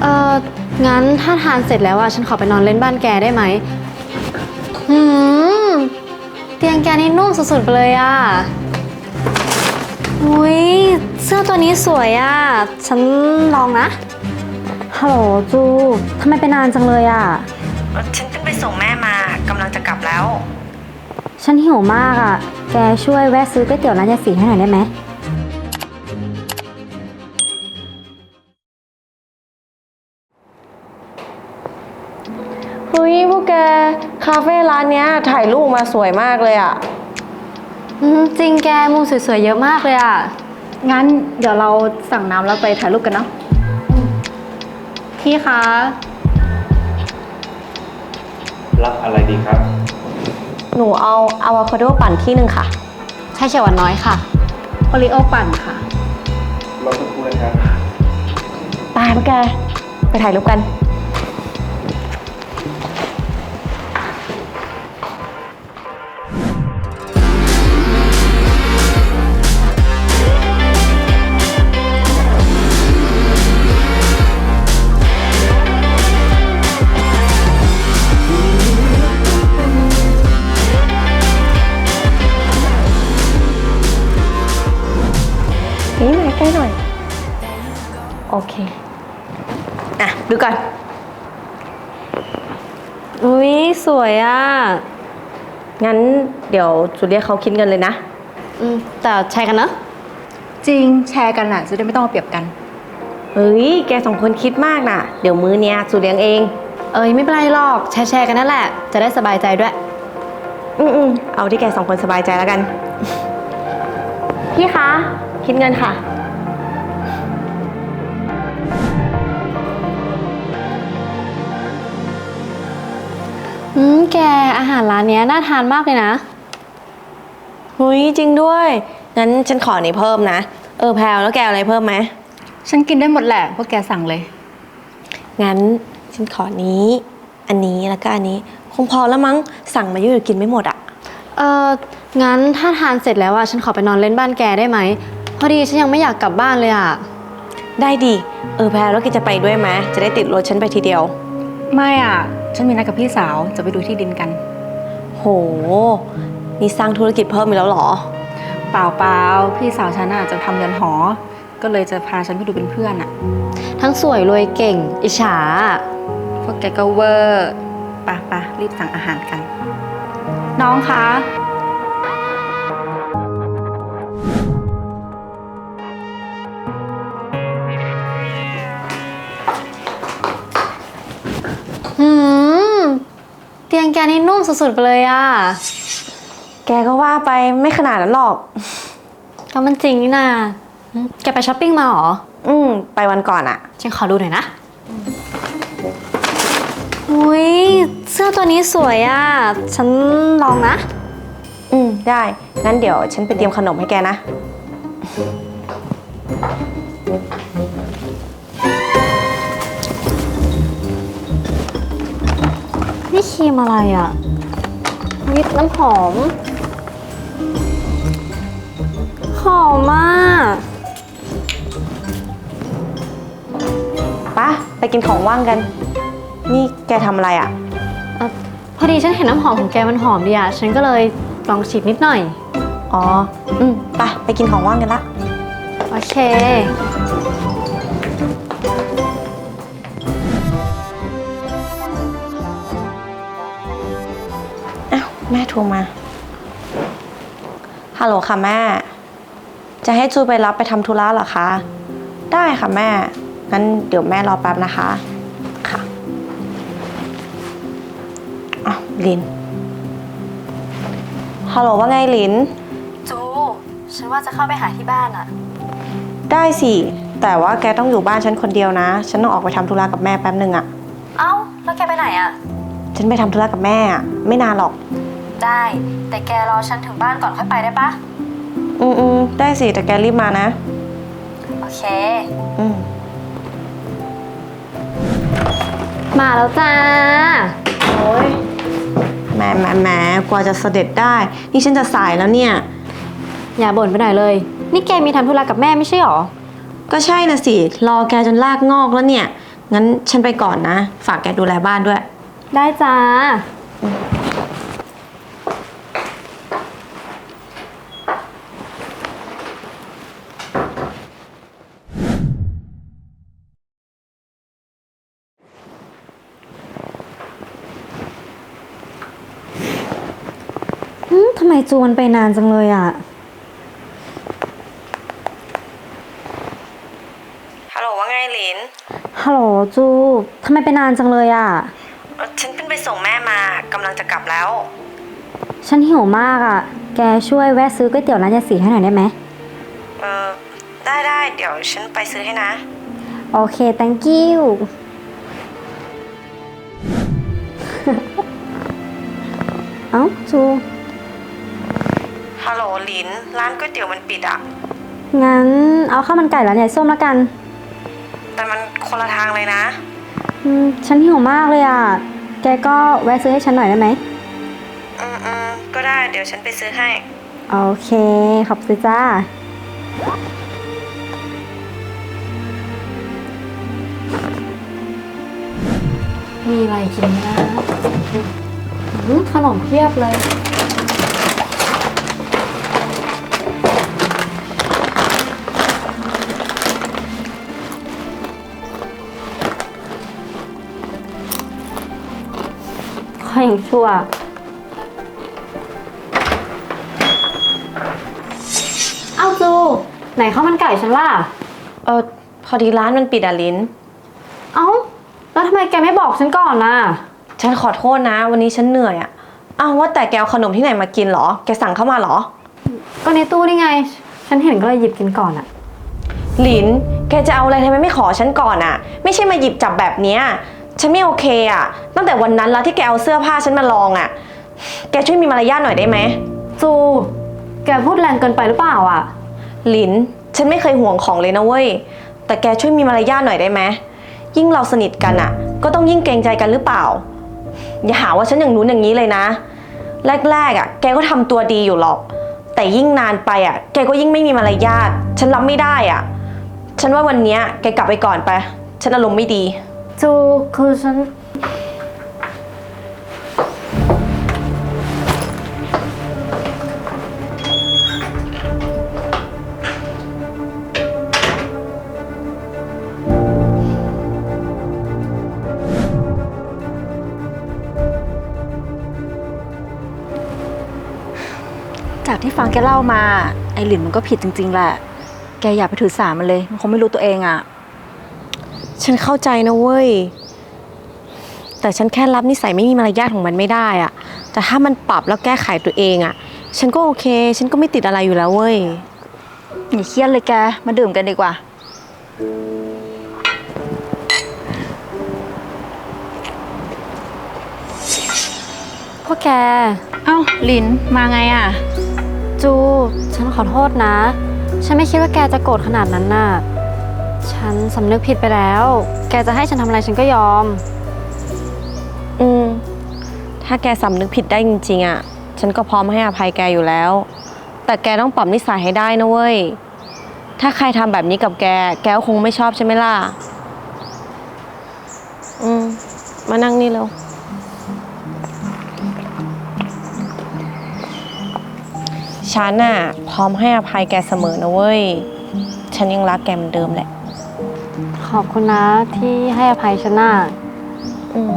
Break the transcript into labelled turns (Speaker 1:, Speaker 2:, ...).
Speaker 1: เอองั้นถ้าทานเสร็จแล้วฉันขอไปนอนเล่นบ้านแกได้ไหมหืมเตียงแกนี่นุ่มสุดๆไปเลยอุ้ยเสื้อตัวนี้สวยฉันลองนะฮัลโหลจูทำไมไปนานจังเลย
Speaker 2: ฉันเพิ่งไปส่งแม่มากำลังจะกลับแล้ว
Speaker 1: ฉันหิวมากแกช่วยแวะซื้อก๋วยเตี๋ยวร้านยายศรีให้หน่อยได้ไหม
Speaker 2: เฮ้ยพวกแกคาเฟ่ร้านเนี้ยถ่ายรูปมาสวยมากเลย
Speaker 1: จริงแกมุมสวยๆเยอะมากเลย
Speaker 3: งั้นเดี๋ยวเราสั่งน้ำแล้วไปถ่ายรูปกันเนาะ
Speaker 1: พี่คะ
Speaker 4: รับอะไรดีครับ
Speaker 2: หนูเอาอะโวคาโดปั่นที่หนึ่งค่ะ
Speaker 1: ใช่เขียวหวานน้อยค่ะ
Speaker 3: โอริโอปั่นค่ะ
Speaker 4: รอสักครู่นะครับ
Speaker 2: ไปพวกแกไปถ่ายรูปกันนี่มาใกล้หน่อยโอเคดูก่อน
Speaker 1: อุ้ยสวย
Speaker 2: งั้นเดี๋ยวจูเรียกเขาคิดเงินเลยนะ
Speaker 1: แต่แชร์กันนะ
Speaker 3: จริงแชร์กันจะได้ไม่ต้องมาเปรียบกัน
Speaker 2: เฮ้ยแกสองคนคิดมากนะเดี๋ยวมื้อเนี้ยจูเลี้ยงเอง
Speaker 1: ไม่เป็นไรหรอกแชร์กันนั่นแหละจะได้สบายใจด้วย
Speaker 2: เอาที่แกสองคนสบายใจแล้วกันพี่คะคิดเงินค่ะ
Speaker 1: แกอาหารร้านนี้น่าทานมากเลยนะ
Speaker 2: หุยจริงด้วยงั้นฉันขอนี้เพิ่มนะแพลวแล้วแกอะไรเพิ่มไหม
Speaker 3: ฉันกินได้หมดแหละพวกแกสั่งเลย
Speaker 2: งั้นฉันขอนี้อันนี้แล้วก็อันนี้คงพอแล้วมั้งสั่งมาเยอะกินไม่หมด
Speaker 1: งั้นถ้าทานเสร็จแล้วฉันขอไปนอนเล่นบ้านแกได้ไหมพอดีฉันยังไม่อยากกลับบ้านเลย
Speaker 2: ได้ดิแพลวแล้วแกจะไปด้วยไหมจะได้ติดรถฉันไปทีเดียว
Speaker 3: ไม่ฉันมีนัดกับพี่สาวจะไปดูที่ดินกัน
Speaker 2: โหนี่สร้างธุรกิจเพิ่มอีกแล้วเหรอ
Speaker 3: เปล่าพี่สาวฉันจะทำเรือนหอก็เลยจะพาฉันไปดูเป็นเพื่อน
Speaker 1: ทั้งสวยรวยเก่งอิจฉา
Speaker 3: พวกแกก็เวอร์ปะรีบสั่งอาหารกันน้องคะ
Speaker 1: เตียงแกนี่นุ่มสุดๆไปเลย
Speaker 2: แกก็ว่าไปไม่ขนาดนั้นหรอก
Speaker 1: ก็มันจริงนี่นาแกไปช้อปปิ้งมาหรอ
Speaker 2: ไปวันก่อน
Speaker 1: ฉันขอดูหน่อยนะอุ้ยเสื้อตัวนี้สวยฉันลองนะ
Speaker 2: ได้งั้นเดี๋ยวฉันไปเตรียมขนมให้แกนะ
Speaker 1: นี่ครีมอะไรวิปน้ำหอมมาก
Speaker 2: ป่ะไปกินของว่างกันนี่แกทำอะไร
Speaker 1: พอดีฉันเห็นน้ำหอมของแกมันหอมดีฉันก็เลยลองฉีดนิดหน่อย
Speaker 2: ไปกินของว่างกันละ
Speaker 1: โอเค
Speaker 2: แม่โทรมาฮัลโหลค่ะแม่จะให้จูไปรับไปทำธุระเหรอคะได้ค่ะแม่งั้นเดี๋ยวแม่รอแป๊บนะคะค่ะลินฮัลโหลว่าไงลิน
Speaker 1: จูฉันว่าจะเข้าไปหาที่บ้าน
Speaker 2: ได้สิแต่ว่าแกต้องอยู่บ้านฉันคนเดียวนะฉันต้องออกไปทำธุระกับแม่แป๊บนึง
Speaker 1: เอ้าแล้วแกไปไหน
Speaker 2: ฉันไปทำธุระกับแม่ไม่นานหรอก
Speaker 1: ได้แต่แกรอฉันถึงบ้านก่อนค่อยไปได้ปะ
Speaker 2: ได้สิแต่แกรีบมานะ
Speaker 1: โอเคมาแล้วจ้า
Speaker 2: โอ้ยแหมกว่าจะเสด็จได้นี่ฉันจะสายแล้วเนี่ย
Speaker 1: อย่าบ่นไปหน่อยเลยนี่แกมีทำธุระกับแม่ไม่ใช่หรอ
Speaker 2: ก็ใช่นะสิรอแกจนลากงอกแล้วเนี่ยงั้นฉันไปก่อนนะ ฝากแกดูแลบ้านด้วย
Speaker 1: ได้จ้า ทำไมจูมันไปนานจังเลยอ่ะ
Speaker 2: ฮัลโหลว่าไงหลิน
Speaker 1: ฮัลโหลจูทำไมไปนานจังเลยอ่ะ
Speaker 2: ฉันเพิ่งไปส่งแม่มากำลังจะกลับแล้ว
Speaker 1: ฉันหิวมากอ่ะ แกช่วยแวะซื้อก๋วยเตี๋ยวร้านยายศรีให้หน่อยได้ไหม
Speaker 2: ได้เดี๋ยวฉันไปซื้อให้นะ
Speaker 1: โอเค thank you เอ้าจู
Speaker 2: ฮัลโหลหลิน ร้านก๋วยเตี๋ยวมันปิดอ่ะ
Speaker 1: งั้นเอาข้าวมันไก่ร้านยายส้มละกัน
Speaker 2: แต่มันคนละทางเลยนะ
Speaker 1: ฉันหิวมากเลยอ่ะ แกก็แวะซื้อให้ฉันหน่อยได้ไหม
Speaker 2: ก็ได้ เดี๋ยวฉันไปซื้อให้
Speaker 1: โอเค ขอบคุณจ้า มีอะไรกินนะขนมเพียบเลย ข้อยยังชั่ว เอาจู ไหนข้าวมันไก่ฉันล่ะ
Speaker 2: พอดีร้านมันปิดอ่ะลิน
Speaker 1: เอ้า แล้วทำไมแกไม่บอกฉันก่อนน่ะ
Speaker 2: ฉันขอโทษนะ วันนี้ฉันเหนื่อยอ่ะ อ้าวว่าแต่แกเอาขนมที่ไหนมากินเหรอ แกสั่งเข้ามาเหรอ
Speaker 1: ก็ในตู้นี่ไง ฉันเห็นก็เลยหยิบกินก่อนอะ
Speaker 2: หลิน แกจะเอาอะไรทำไมไม่ขอฉันก่อนอ่ะ ไม่ใช่มาหยิบจับแบบเนี้ยฉันไม่โอเคอ่ะ ตั้งแต่วันนั้นแล้วที่แกเอาเสื้อผ้าฉันมาลองอ่ะ แกช่วยมีมารยาทหน่อยได้ไหม
Speaker 1: จู แกพูดแรงเกินไปหรือเปล่าอะ
Speaker 2: หลิน ฉันไม่เคยห่วงของเลยนะเว้ย แต่แกช่วยมีมารยาทหน่อยได้ไหม ยิ่งเราสนิทกันอ่ะ ก็ต้องยิ่งเกรงใจกันหรือเปล่า อย่าหาว่าฉันอย่างนู้นอย่างนี้เลยนะ แรกๆอ่ะ แกก็ทำตัวดีอยู่หรอก แต่ยิ่งนานไปอ่ะ แกก็ยิ่งไม่มีมารยาท ฉันรับไม่ได้อ่ะ ฉันว่าวันเนี้ยแกกลับไปก่อนไป ฉันอารมณ์ไม่ดี
Speaker 1: จู คือฉัน
Speaker 3: จากที่ฟังแกเล่ามา ไอหลินมันก็ผิดจริงๆแหละ แกอย่าไปถือสามันเลย มันคงไม่รู้ตัวเองอะ
Speaker 2: ฉันเข้าใจนะเว้ย แต่ฉันแค่รับนิสัยไม่มีมารยาทของมันไม่ได้อ่ะ แต่ถ้ามันปรับแล้วแก้ไขตัวเองอ่ะ ฉันก็โอเค ฉันก็ไม่ติดอะไรอยู่แล้วเว้ย
Speaker 3: อย่าเครียดเลยแก มาดื่มกันดีกว่า
Speaker 1: พวกแก
Speaker 3: เอ้าหลินมาไงอะ
Speaker 1: จู ฉันขอโทษนะ ฉันไม่คิดว่าแกจะโกรธขนาดนั้นน่ะ ฉันสำนึกผิดไปแล้ว แกจะให้ฉันทำอะไรฉันก็ยอม
Speaker 2: ถ้าแกสำนึกผิดได้จริงๆอ่ะ ฉันก็พร้อมให้อภัยแกอยู่แล้ว แต่แกต้องปรับนิสัยให้ได้นะเว้ย ถ้าใครทำแบบนี้กับแก แกก็คงไม่ชอบใช่ไหมล่ะ มานั่งนี่เร็ว ฉันน่ะพร้อมให้อภัยแกเสมอนะเว้ย ฉันยังรักแกเหมือนเดิมแหละ
Speaker 1: ขอบคุณนะที่ให้อภัยฉันน่ะ
Speaker 2: อืม